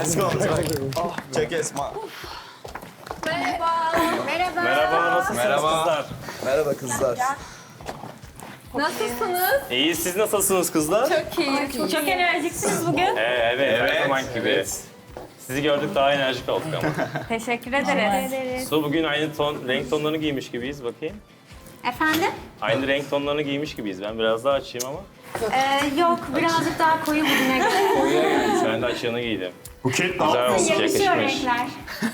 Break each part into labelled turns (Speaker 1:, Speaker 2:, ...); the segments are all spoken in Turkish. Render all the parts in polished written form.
Speaker 1: Let's go. Check Esma.
Speaker 2: Merhaba, nasılsınız kızlar?
Speaker 1: Merhaba kızlar.
Speaker 3: Nasılsınız?
Speaker 2: İyi, siz nasılsınız kızlar?
Speaker 3: Çok iyi. Çok enerjiksiniz bugün.
Speaker 2: Evet, her zaman gibi. Sizi gördük daha enerjik olduk ama.
Speaker 3: Teşekkür ederiz.
Speaker 2: Su bugün aynı renk tonlarını giymiş gibiyiz bakayım.
Speaker 3: Efendim?
Speaker 2: Aynı renk tonlarını giymiş gibiyiz. Ben biraz daha açayım ama.
Speaker 3: Yok, birazcık daha koyu bugüne göre.
Speaker 2: Ben de açığını giydim.
Speaker 1: Buket
Speaker 2: Güzel olmuş,
Speaker 3: Yakışıyor
Speaker 2: yakışmış.
Speaker 3: renkler.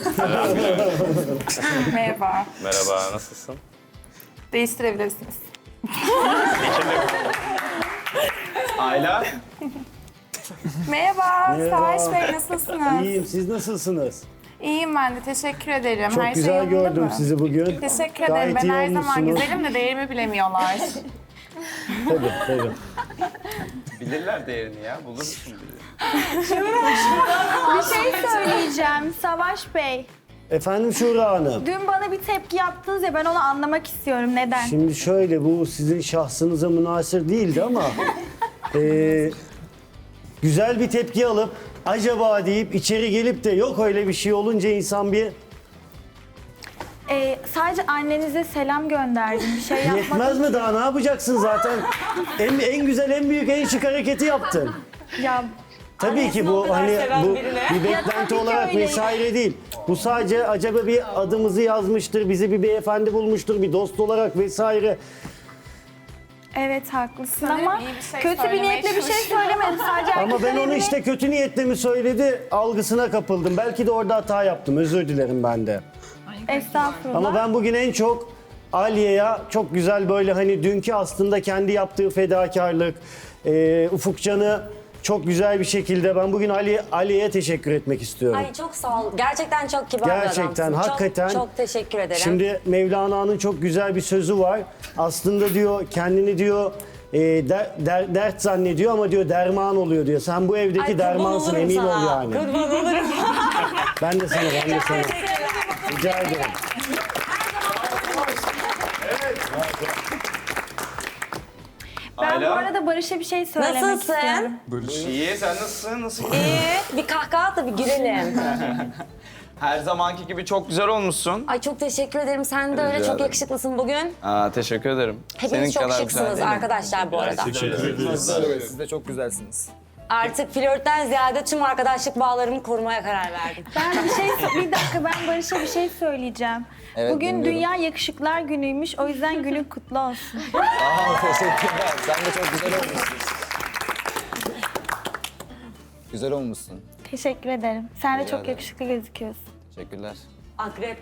Speaker 4: Merhaba.
Speaker 2: Merhaba, nasılsın?
Speaker 4: Değiştirebilirsiniz.
Speaker 1: Ayla.
Speaker 4: Merhaba. Savaş Bey nasılsınız?
Speaker 5: İyiyim, siz nasılsınız?
Speaker 4: İyiyim ben de. Teşekkür ederim.
Speaker 5: Çok
Speaker 4: Her
Speaker 5: güzel
Speaker 4: şey yolunda
Speaker 5: gördüm
Speaker 4: mı?
Speaker 5: sizi bugün.
Speaker 4: Teşekkür
Speaker 5: Gayet
Speaker 4: ederim. Ben
Speaker 5: iyi
Speaker 4: her zaman
Speaker 5: olmuşsunuz.
Speaker 4: güzelim de değerimi bilemiyorlar.
Speaker 5: Tabii.
Speaker 1: Bilirler değerini ya. Bulursun bizi.
Speaker 6: Bir şey söyleyeceğim Savaş Bey.
Speaker 5: Efendim Şura Hanım.
Speaker 6: Dün bana bir tepki yaptınız ya ben onu anlamak istiyorum. Neden?
Speaker 5: Şimdi şöyle, bu sizin şahsınıza münhasır değildi ama güzel bir tepki alıp acaba deyip içeri gelip de yok öyle bir şey olunca insan bir
Speaker 6: Sadece annenize selam gönderdim. Bir şey yapmadım.
Speaker 5: yetmez mi, daha ne yapacaksın zaten? En güzel, en büyük, en şık hareketi yaptın.
Speaker 6: Ya
Speaker 5: Tabii ki bu hani bu bir beklenti
Speaker 6: ki
Speaker 5: olarak
Speaker 6: öyle.
Speaker 5: vesaire değil. Bu sadece acaba bir adımızı yazmıştır, bizi bir beyefendi bulmuştur, bir dost olarak vesaire.
Speaker 6: evet haklısın
Speaker 4: Sanırım
Speaker 6: ama
Speaker 4: iyi bir şey
Speaker 6: kötü bir
Speaker 4: söylemeye
Speaker 6: niyetle bir şey
Speaker 4: çalışıyorum.
Speaker 6: söylemedim. Sadece
Speaker 5: Ama ben onu işte kötü niyetle mi söyledi algısına kapıldım. Belki de orada hata yaptım, özür dilerim ben de.
Speaker 6: Estağfurullah.
Speaker 5: Ama ben bugün en çok Aliye'ye çok güzel böyle hani dünkü aslında kendi yaptığı fedakarlık, Ufukcan'ı çok güzel bir şekilde ben bugün Aliye'ye teşekkür etmek istiyorum.
Speaker 7: Ay çok sağ ol. Gerçekten çok kibar bir
Speaker 5: Gerçekten,
Speaker 7: adamsın.
Speaker 5: hakikaten.
Speaker 7: Çok teşekkür ederim.
Speaker 5: Şimdi Mevlana'nın çok güzel bir sözü var. Aslında diyor kendini diyor dert zannediyor ama diyor derman oluyor diyor. Sen bu evdeki
Speaker 7: Ay, kurban
Speaker 5: dermansın,
Speaker 7: olurum
Speaker 5: emin
Speaker 7: sana.
Speaker 5: ol yani.
Speaker 7: Kurban olurum.
Speaker 5: Ben de sana. Rica ederim.
Speaker 6: Ben bu
Speaker 1: Ayla.
Speaker 6: arada Barış'a bir şey söylemek
Speaker 7: Nasılsın?
Speaker 6: istiyorum.
Speaker 1: İyi, sen nasılsın? Nasıl?
Speaker 7: İyi. Bir kahkaha at da bir gülelim.
Speaker 1: Her zamanki gibi çok güzel olmuşsun.
Speaker 7: Ay çok teşekkür ederim. Sen de öyle
Speaker 1: Rica
Speaker 7: çok
Speaker 1: ederim.
Speaker 7: yakışıklısın bugün.
Speaker 1: Teşekkür ederim.
Speaker 7: Hepiniz çok şıksınız arkadaşlar bu arada.
Speaker 8: Siz de çok güzelsiniz.
Speaker 7: Artık flörtten ziyade tüm arkadaşlık bağlarımı korumaya karar verdim.
Speaker 6: Ben bir dakika ben Barış'a bir şey söyleyeceğim.
Speaker 8: Evet,
Speaker 6: Bugün
Speaker 8: dinliyorum.
Speaker 6: Dünya Yakışıklar Günü'ymüş. O yüzden günün kutlu olsun.
Speaker 8: Teşekkürler. Sen de çok güzel olmuşsun. Güzel olmuşsun.
Speaker 6: Teşekkür ederim. Sen de
Speaker 8: Rica
Speaker 6: çok
Speaker 8: ederim.
Speaker 6: yakışıklı gözüküyorsun.
Speaker 8: Teşekkürler.
Speaker 7: Akrep.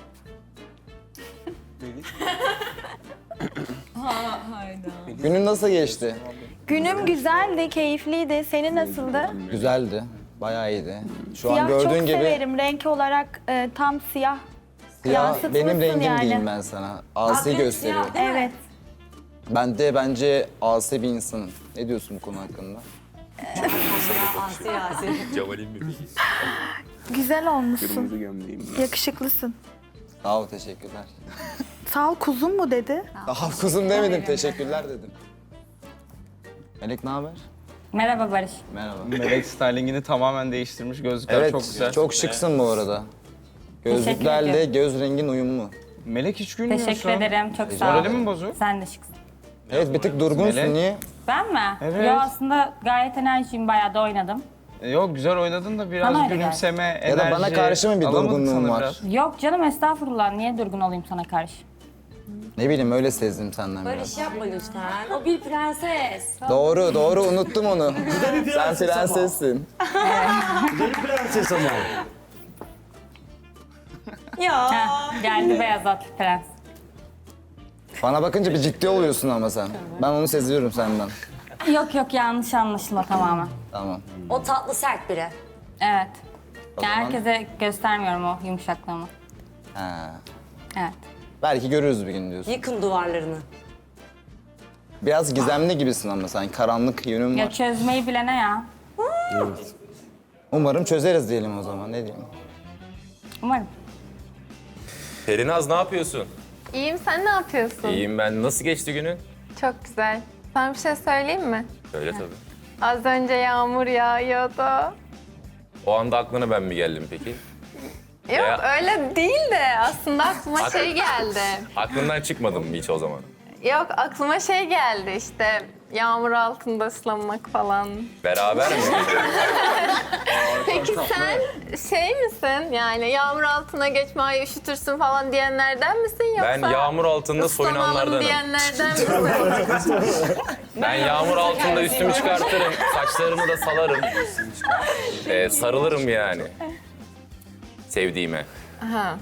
Speaker 8: Günün nasıl geçti?
Speaker 6: Günüm güzeldi, keyifliydi. Senin nasıldı?
Speaker 8: Güzeldi. Bayağı iyiydi. Şu an
Speaker 6: Siyah çok
Speaker 8: gördüğün gibi
Speaker 6: severim. Renk olarak tam siyah.
Speaker 8: siyah
Speaker 6: yansıtmışsın
Speaker 8: benim rengim
Speaker 6: yani.
Speaker 8: diyeyim ben sana. Asi
Speaker 7: Akrep
Speaker 8: gösteriyor.
Speaker 7: siyah. Değil mi?
Speaker 6: Evet.
Speaker 8: Ben de bence asi bir insanım. Ne diyorsun bu konu hakkında?
Speaker 7: Asi.
Speaker 6: Güzel olmuşsun. Yakışıklısın.
Speaker 8: Sağ ol, teşekkürler.
Speaker 6: Sağ ol kuzum mu dedi?
Speaker 8: Daha kuzum demedim, teşekkürler dedim. Melek ne haber?
Speaker 3: Merhaba Barış.
Speaker 8: Merhaba.
Speaker 1: Melek stylingini tamamen değiştirmiş. Gözlükler
Speaker 8: Evet,
Speaker 1: çok güzel.
Speaker 8: çok şıksın bu arada. Gözlüklerle
Speaker 3: ediyorum.
Speaker 8: göz rengin uyumlu.
Speaker 1: Melek hiç gülmüyorsun.
Speaker 3: Teşekkür ederim. Çok sağ ol.
Speaker 1: Morali mi bozuk?
Speaker 3: Sen de şıksın.
Speaker 8: Evet, bir tık durgunsun.
Speaker 1: Melek.
Speaker 8: Niye?
Speaker 3: Ben mi?
Speaker 1: Evet.
Speaker 3: Yo aslında gayet enerjiyim. Bayağı da oynadım.
Speaker 1: Yok, güzel oynadın da biraz
Speaker 3: Bana öyle
Speaker 1: gülümseme, enerji...
Speaker 8: Ya da bana karşı mı bir
Speaker 1: alamadık
Speaker 8: durgunluğun
Speaker 1: sana
Speaker 8: var?
Speaker 1: biraz.
Speaker 3: Yok canım estağfurullah. Niye durgun olayım sana karşı?
Speaker 8: Ne bileyim, öyle sezdim senden biraz.
Speaker 7: Barış yapma lütfen. O bir prenses.
Speaker 8: Doğru, unuttum onu.
Speaker 5: Bir
Speaker 8: Sen
Speaker 5: prenses ama.
Speaker 8: prensessin.
Speaker 5: Bir prenses ama.
Speaker 7: Ya.
Speaker 3: Heh, geldi beyaz atlı prens.
Speaker 8: Bana bakınca bir ciddi oluyorsun ama sen. Ben onu seziyorum senden.
Speaker 3: Yok yanlış anlaşılma tamamen.
Speaker 8: Tamam.
Speaker 7: O tatlı sert biri.
Speaker 3: Evet.
Speaker 8: O
Speaker 3: Yani
Speaker 8: zaman-
Speaker 3: herkese göstermiyorum o yumuşaklığımı.
Speaker 8: Ha.
Speaker 3: Evet.
Speaker 8: Belki görürüz bir gün diyorsun.
Speaker 7: Yıkın duvarlarını.
Speaker 8: Biraz gizemli gibisin ama sen. Karanlık yönün
Speaker 3: Ya
Speaker 8: var.
Speaker 3: çözmeyi bilene ya.
Speaker 8: Umarım çözeriz diyelim o zaman. Ne diyeyim?
Speaker 3: Umarım.
Speaker 9: Perinaz ne yapıyorsun?
Speaker 3: İyiyim, sen ne yapıyorsun?
Speaker 9: İyiyim ben. Nasıl geçti günün?
Speaker 3: Çok güzel. Sana bir şey söyleyeyim mi?
Speaker 9: Söyle tabii.
Speaker 3: Az önce yağmur yağıyordu.
Speaker 9: O anda aklına ben mi geldim peki?
Speaker 4: Yok
Speaker 9: Ya.
Speaker 4: öyle değil de aslında aklıma şey geldi.
Speaker 9: Aklından çıkmadın mı hiç o zaman?
Speaker 4: Yok aklıma şey geldi işte yağmur altında ıslanmak falan.
Speaker 9: Beraber mi?
Speaker 4: Peki sen şey misin yani yağmur altına geçme ay üşütürsün falan diyenlerden misin yoksa?
Speaker 9: Ben yağmur altında
Speaker 4: ıslanalım
Speaker 9: soyunanlardanım.
Speaker 4: diyenlerden misin?
Speaker 9: Ben yağmur altında üstümü çıkartırım, saçlarımı da salarım. Sarılırım yani. Sevdiğime.
Speaker 4: Aha.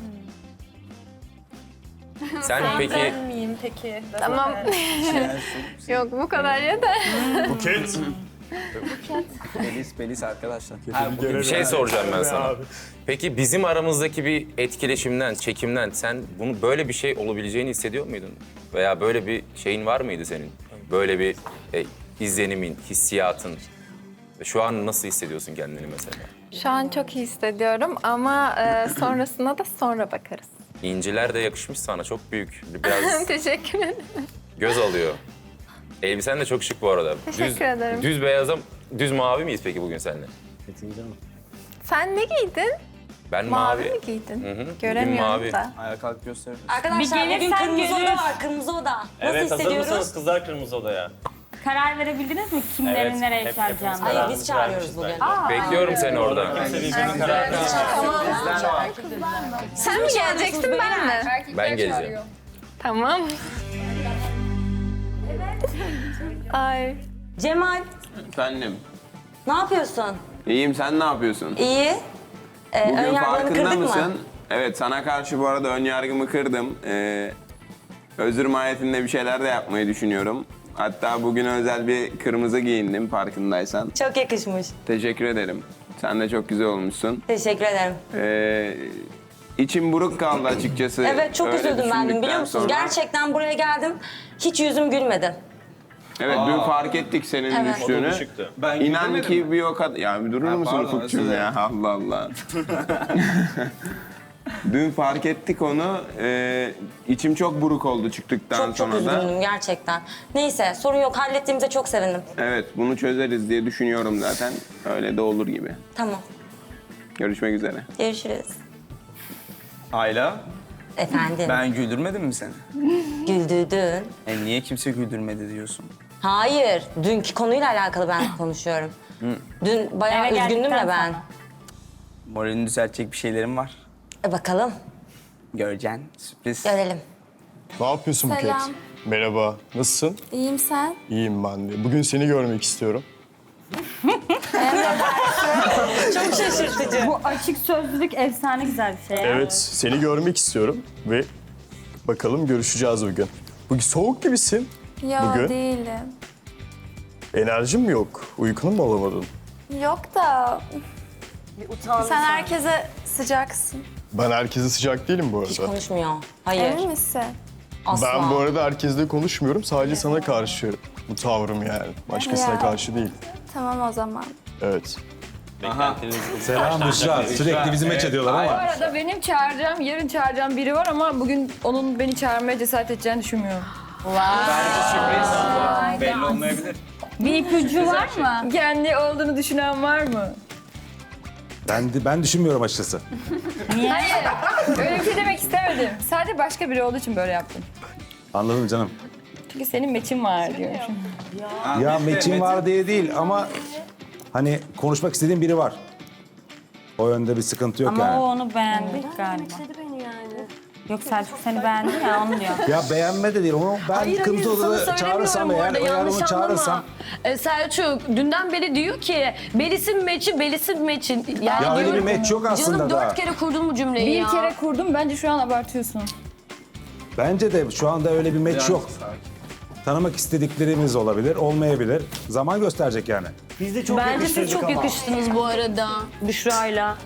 Speaker 9: Sen peki
Speaker 6: miyim peki?
Speaker 4: Tamam. Yok bu kadar yeter.
Speaker 1: Belis arkadaşlar.
Speaker 9: bir şey soracağım ben sana. Peki bizim aramızdaki bir etkileşimden, çekimden sen bunu böyle bir şey olabileceğini hissediyor muydun? Veya böyle bir şeyin var mıydı senin? Böyle bir izlenimin, hissiyatın. Ve şu an nasıl hissediyorsun kendini mesela?
Speaker 4: Şu an çok iyi hissediyorum ama sonrasına da sonra bakarız.
Speaker 9: İnciler de yakışmış sana, çok büyük. Biraz
Speaker 4: Teşekkür ederim.
Speaker 9: göz alıyor. Elbisen de çok şık bu arada.
Speaker 4: Teşekkür ederim.
Speaker 9: Düz beyaza, düz mavi miyiz peki bugün seninle?
Speaker 4: Sen ne giydin?
Speaker 9: Ben
Speaker 4: Mavi
Speaker 9: mavi.
Speaker 4: mi giydin?
Speaker 9: Hı hı. Bugün
Speaker 4: Göremiyorum
Speaker 9: mavi.
Speaker 4: da.
Speaker 1: Ayağa kalk gösterir.
Speaker 7: Arkadaşlar
Speaker 6: Bir
Speaker 7: bugün
Speaker 6: gelirsen
Speaker 7: kırmızı oda
Speaker 6: görürüz.
Speaker 7: var. Kırmızı oda. Nasıl
Speaker 2: Evet, hazır
Speaker 7: hissediyoruz?
Speaker 2: mısınız kızlar kırmızı odaya?
Speaker 6: Karar verebildiniz mi kimlerin
Speaker 2: Evet,
Speaker 6: nereye
Speaker 2: hep-
Speaker 6: çağıracağını?
Speaker 7: Hayır biz çağırıyoruz bugün.
Speaker 9: Bekliyorum seni orada.
Speaker 4: Sen mi geleceksin ben mi?
Speaker 9: Ben geleceğim.
Speaker 4: Tamam. Ay.
Speaker 7: Cemal
Speaker 10: Efendim,
Speaker 7: ne yapıyorsun?
Speaker 10: iyiyim, sen ne yapıyorsun?
Speaker 7: İyi.
Speaker 10: Bugün
Speaker 7: Önyargılarını
Speaker 10: farkında
Speaker 7: kırdık
Speaker 10: mısın?
Speaker 7: mı?
Speaker 10: Evet, sana karşı bu arada ön yargımı kırdım. Özür mahiyetinde bir şeyler de yapmayı düşünüyorum. Hatta bugün özel bir kırmızı giyindim farkındaysan.
Speaker 7: Çok yakışmış.
Speaker 10: Teşekkür ederim. Sen de çok güzel olmuşsun.
Speaker 7: Teşekkür ederim.
Speaker 10: İçim buruk kaldı açıkçası.
Speaker 7: Evet çok
Speaker 10: öyle
Speaker 7: üzüldüm ben dün
Speaker 10: düşündükten
Speaker 7: biliyor musunuz?
Speaker 10: sonra.
Speaker 7: Gerçekten buraya geldim. Hiç yüzüm gülmedi.
Speaker 10: Evet, dün fark ettik senin
Speaker 7: Evet.
Speaker 10: düştüğünü.
Speaker 2: Düşüktü.
Speaker 1: Ben
Speaker 10: İnan
Speaker 1: güldürmedim
Speaker 10: ki
Speaker 1: mi?
Speaker 10: bir o kadar... Ya bir durur musun
Speaker 1: pardon,
Speaker 10: Ufukcuğum
Speaker 1: özür
Speaker 10: ya? Allah Allah. Dün fark ettik onu. İçim çok buruk oldu çıktıktan
Speaker 7: Çok çok
Speaker 10: sonra da.
Speaker 7: üzgündüm gerçekten. Neyse sorun yok hallettiğimize çok sevindim.
Speaker 10: Evet, bunu çözeriz diye düşünüyorum zaten. Öyle de olur gibi.
Speaker 7: Tamam.
Speaker 10: Görüşmek üzere.
Speaker 7: Görüşürüz.
Speaker 1: Ayla,
Speaker 7: Efendim.
Speaker 1: ben güldürmedim mi seni?
Speaker 7: Güldürdün.
Speaker 1: Niye kimse güldürmedi diyorsun?
Speaker 7: Hayır. Dünkü konuyla alakalı ben konuşuyorum. Dün bayağı
Speaker 6: Eve
Speaker 7: üzgündüm
Speaker 6: geldikten
Speaker 7: ya ben.
Speaker 6: sonra.
Speaker 1: Moralini düzeltecek bir şeylerim var.
Speaker 7: Bakalım.
Speaker 1: Göreceksin, sürpriz.
Speaker 7: Görelim.
Speaker 11: Ne yapıyorsun Buket?
Speaker 3: Selam.
Speaker 11: Merhaba. Nasılsın?
Speaker 3: İyiyim sen?
Speaker 11: İyiyim ben de. Bugün seni görmek istiyorum.
Speaker 7: Çok şaşırtıcı.
Speaker 6: Bu açık sözlülük efsane güzel bir şey. ya.
Speaker 11: Evet, seni görmek istiyorum ve bakalım görüşeceğiz bugün. Bugün soğuk gibisin.
Speaker 3: Yo
Speaker 11: Bugün?
Speaker 3: değilim.
Speaker 11: Enerjin mi yok? Uykunu mu alamadın?
Speaker 3: Yok da sen herkese sıcaksın.
Speaker 11: Ben herkese sıcak değilim bu
Speaker 7: Hiç
Speaker 11: arada.
Speaker 7: konuşmuyor. Hayır.
Speaker 3: Emin misin?
Speaker 7: Asla.
Speaker 11: Ben bu arada herkesle konuşmuyorum. Sadece sana karşı bu tavrım yani. Başkasına
Speaker 3: Ya.
Speaker 11: karşı değil.
Speaker 3: Tamam o zaman.
Speaker 11: Evet.
Speaker 2: Selam Büşra.
Speaker 9: Sürekli bizi meç ediyorlar ama.
Speaker 12: Bu arada benim çağıracağım, yarın çağıracağım biri var ama bugün onun beni çağırmaya cesaret edeceğini düşünmüyorum.
Speaker 1: Sürpriz. Belli olmayabilir.
Speaker 6: Bir ipucu var mı?
Speaker 12: Kendi olduğunu düşünen var mı?
Speaker 9: Ben düşünmüyorum açıkçası.
Speaker 12: Hayır, öyle bir şey demek istemedim. Sadece başka biri olduğu için böyle yaptım.
Speaker 9: Anladım canım.
Speaker 12: Çünkü senin meçin var diyormuşum.
Speaker 9: Ya meçin var diye değil ama hani konuşmak istediğim biri var. O yönde bir sıkıntı yok
Speaker 6: Ama
Speaker 9: yani.
Speaker 6: o onu beğendi galiba. Yok Selçuk seni beğendi ya onu diyor.
Speaker 9: Ya beğenme de değil onu ben kırmızı odada çağırırsam eğer onu çağırırsam.
Speaker 12: Selçuk dünden beri diyor ki Belis'in meçin. Yani
Speaker 9: Ya öyle bir meç yok aslında da.
Speaker 12: kere kurdun mu cümleyi Bir kere kurdum bence şu an abartıyorsun.
Speaker 9: Bence de şu anda öyle bir meç yok. Tanımak istediklerimiz olabilir, olmayabilir. Zaman gösterecek yani.
Speaker 5: Biz de çok yakıştırdık ama.
Speaker 12: yakıştınız bu arada Büşra'yla.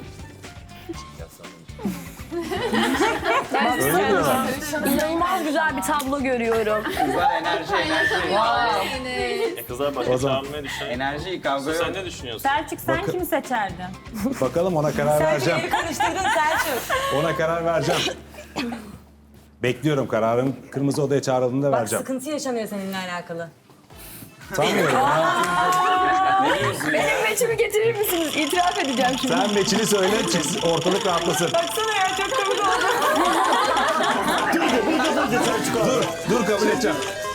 Speaker 12: İnanılmaz güzel bir tablo görüyorum.
Speaker 1: Kızlar enerji.
Speaker 2: Kızlar başka çağırmaya düşünüyor.
Speaker 1: Enerji, kavga yok.
Speaker 2: Sen ne düşünüyorsun?
Speaker 6: Selçuk sen kimi seçerdin?
Speaker 9: Bakalım ona karar vereceğim.
Speaker 7: Karıştırdın Selçuk.
Speaker 9: Ona karar vereceğim. Bekliyorum kararım. Kırmızı odaya çağrıldığında
Speaker 7: Bak
Speaker 9: vereceğim.
Speaker 7: sıkıntı yaşanıyor seninle alakalı.
Speaker 9: Sanmıyorum ya.
Speaker 12: Benim meçimi getirir misiniz? İtiraf edeceğim şimdi.
Speaker 13: Sen meçini söyle, ortalık rahatlasın.
Speaker 12: Baksana ya çok komik oldu.
Speaker 13: Dur kabul edeceğim.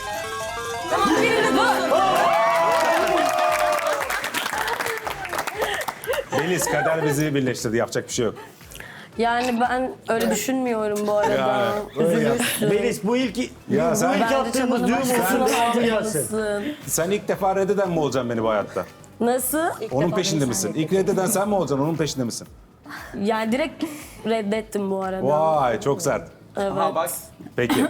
Speaker 13: Melis, kader bizi birleştirdi. Yapacak bir şey yok.
Speaker 14: Yani ben öyle düşünmüyorum bu arada. Üzülürsün.
Speaker 5: Melis bu ilk
Speaker 13: Ya sen-
Speaker 5: attığımız düğüm olsun devamı gelsin.
Speaker 13: Sen ilk defa reddeden mi olacaksın beni bu hayatta?
Speaker 14: Nasıl?
Speaker 13: Onun peşinde misin? İlk reddeden sen mi olacaksın, onun peşinde misin?
Speaker 14: Yani direkt reddettim bu arada.
Speaker 13: Vay, çok sert.
Speaker 14: Evet.
Speaker 9: Aha bak.
Speaker 13: Peki.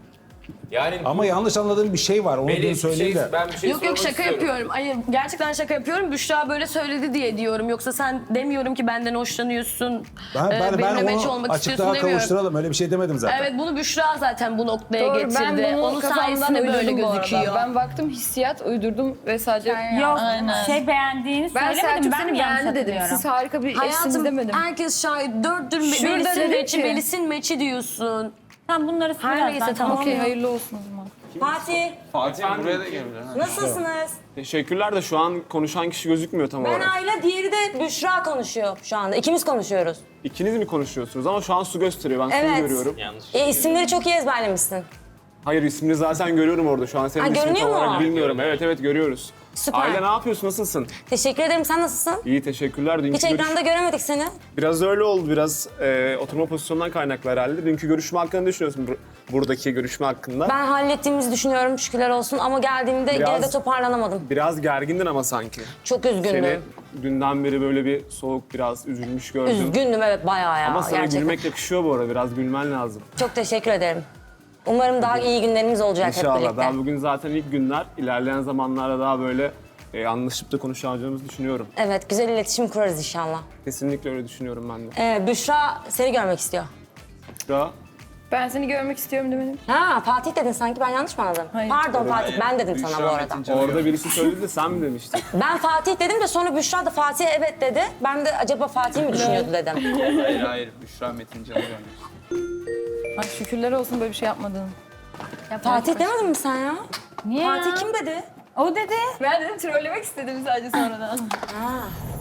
Speaker 9: Yani
Speaker 13: Ama yanlış anladığım bir şey var. Onu dün
Speaker 9: Melis,
Speaker 13: söyleyeyim de.
Speaker 9: ben bir şey
Speaker 14: Yok
Speaker 9: sormak
Speaker 14: şaka
Speaker 9: istiyorum.
Speaker 14: yapıyorum. Hayır gerçekten şaka yapıyorum. Büşra böyle söyledi diye diyorum. Yoksa sen demiyorum ki benden hoşlanıyorsun.
Speaker 13: Ben
Speaker 14: benimle meç
Speaker 13: onu
Speaker 14: olmak istiyorsun
Speaker 13: açıklığa
Speaker 14: demiyorum.
Speaker 13: kavuşturalım. Öyle bir şey demedim zaten.
Speaker 14: Evet bunu Büşra zaten bu noktaya
Speaker 12: Doğru,
Speaker 14: getirdi.
Speaker 12: ben bunu
Speaker 14: Onun
Speaker 12: kafamdan
Speaker 14: sayesinde böyle
Speaker 12: uydurdum bu arada.
Speaker 14: gözüküyor.
Speaker 12: Ben baktım hissiyat uydurdum ve sadece...
Speaker 6: Yok şey beğendiğini
Speaker 12: Ben
Speaker 6: söylemedim.
Speaker 12: Selçuk
Speaker 6: Ben
Speaker 12: seni
Speaker 6: mi yanlış
Speaker 12: beğendi dedim.
Speaker 6: hatırlıyorum?
Speaker 12: Siz harika bir eşsiniz
Speaker 14: Hayatım
Speaker 12: demedim.
Speaker 14: herkes şahit. Dörttür
Speaker 12: Şurada
Speaker 14: Melis'in
Speaker 12: dedim
Speaker 14: meçi,
Speaker 12: ki-
Speaker 14: Melis'in meçi diyorsun.
Speaker 6: Sen bunları
Speaker 14: Her
Speaker 6: birazdan
Speaker 14: neyse, tamam.
Speaker 12: Okey hayırlı olsun o zaman.
Speaker 7: Fatih,
Speaker 1: Fatih buraya da gelebilir.
Speaker 7: nasılsınız?
Speaker 15: Teşekkürler de şu an konuşan kişi gözükmüyor tam
Speaker 7: Ben
Speaker 15: olarak.
Speaker 7: Ayla, diğeri de Büşra konuşuyor şu anda. İkimiz konuşuyoruz.
Speaker 15: İkiniz mi konuşuyorsunuz ama şu an su gösteriyor. Ben suyu
Speaker 7: Evet.
Speaker 15: görüyorum.
Speaker 7: İsimleri çok iyi ezberlemişsin.
Speaker 15: Hayır ismini zaten görüyorum orada. Şu an senin
Speaker 7: Ha,
Speaker 15: ismini tam
Speaker 7: görünüyor mu?
Speaker 15: olarak bilmiyorum. Evet görüyoruz.
Speaker 7: Süper.
Speaker 15: Aile ne yapıyorsun? Nasılsın?
Speaker 7: Teşekkür ederim. Sen nasılsın?
Speaker 15: İyi teşekkürler. Dünkü
Speaker 7: Hiç ekranda göremedik seni.
Speaker 15: Biraz öyle oldu. Biraz oturma pozisyonundan kaynaklı herhalde. Dünkü görüşme hakkında ne düşünüyorsun? Buradaki görüşme hakkında.
Speaker 7: Ben hallettiğimizi düşünüyorum şükürler olsun ama geldiğimde
Speaker 15: Biraz-
Speaker 7: geride toparlanamadım.
Speaker 15: Biraz gergindin ama sanki.
Speaker 7: Çok üzgündüm.
Speaker 15: Seni dünden beri böyle bir soğuk, biraz üzülmüş gördüm.
Speaker 7: Üzgündüm evet bayağı ya
Speaker 15: Ama sana
Speaker 7: gerçekten.
Speaker 15: gülmek yakışıyor bu arada. Biraz gülmen lazım.
Speaker 7: Çok teşekkür ederim. Umarım daha iyi günlerimiz olacak hep
Speaker 15: İnşallah.
Speaker 7: birlikte.
Speaker 15: Daha bugün zaten ilk günler. İlerleyen zamanlarda daha böyle anlaşıp da konuşacağımızı düşünüyorum.
Speaker 7: Evet güzel iletişim kurarız inşallah.
Speaker 15: Kesinlikle öyle düşünüyorum ben de.
Speaker 7: Büşra seni görmek istiyor.
Speaker 15: Ya,
Speaker 12: Ben seni görmek istiyorum demedim.
Speaker 7: Ha Fatih dedin sanki ben yanlış mı anladım?
Speaker 12: Hayır.
Speaker 7: Pardon Fatih ben dedim sana bu arada.
Speaker 15: orada birisi söyledi de sen mi demiştin?
Speaker 7: Ben Fatih dedim de sonra Büşra da Fatih'e evet dedi. Ben de acaba Fatih mi düşünüyordu dedim.
Speaker 1: Hayır. Büşra Metin Can'ı görmüş.
Speaker 12: Ay şükürler olsun böyle bir şey yapmadın.
Speaker 7: Fatih demedin mi sen ya?
Speaker 6: Niye
Speaker 7: Fatih
Speaker 6: ya?
Speaker 7: kim dedi?
Speaker 6: O dedi.
Speaker 12: Ben dedim trollemek istedim sadece sonradan.
Speaker 7: Ha.